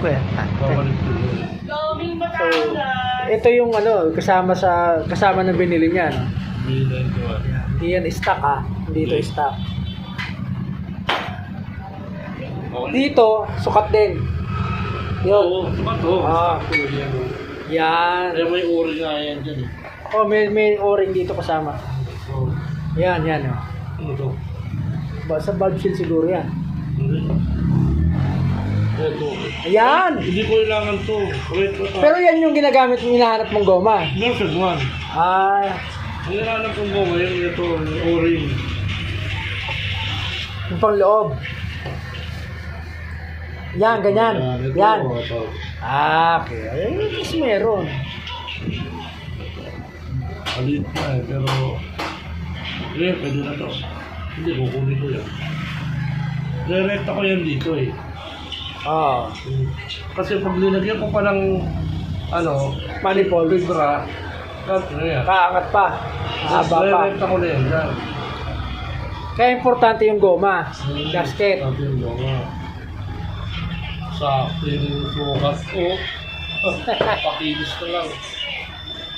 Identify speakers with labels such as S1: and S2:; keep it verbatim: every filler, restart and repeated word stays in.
S1: kuya.
S2: Babalik ko yun.
S1: So, ito yung ano, kasama sa kasama ng binili niya, no?
S2: Bilan ko ah.
S1: Hindi yan stock ah. Hindi ito stock. Dito, sukat din.
S2: Oo,
S1: Yun.
S2: sukat oh.
S1: Ah.
S2: Sakto yan, oh.
S1: Yan.
S2: Kaya may uri nga yan dyan eh.
S1: Oh, may may o-ring dito kasama.
S2: Oo.
S1: Yan, yan oh.
S2: Ano to?
S1: Ba sa valve seal siguro yan.
S2: Hindi. Ito.
S1: Ayan.
S2: Hindi ko kailangan to. Wait, ito.
S1: Pero yan yung ginagamit mo, hinahanap mong goma.
S2: Version one.
S1: Ah,
S2: Ang hinahanap kong goma yun, ito, yung o-ring.
S1: yung pang loob. Yan, ganyan.
S2: Ito,
S1: Yan.
S2: ito.
S1: Ah, okay. Ay, mas meron.
S2: Alit na eh, pero... Eh, pwede na to. Hindi, kukunin ko yan. Direkta ko yan dito eh.
S1: Ah,
S2: Kasi pag linagyan ko pa ng... Ano...
S1: manifold.
S2: Fibra... Cut na yan.
S1: Kaangat pa. Haba pa.
S2: Direkta ko na yan. Yan.
S1: Kaya importante yung goma. Gasket.
S2: Sabi yung goma. Sakto yung sukat ko. Pakilis na lang.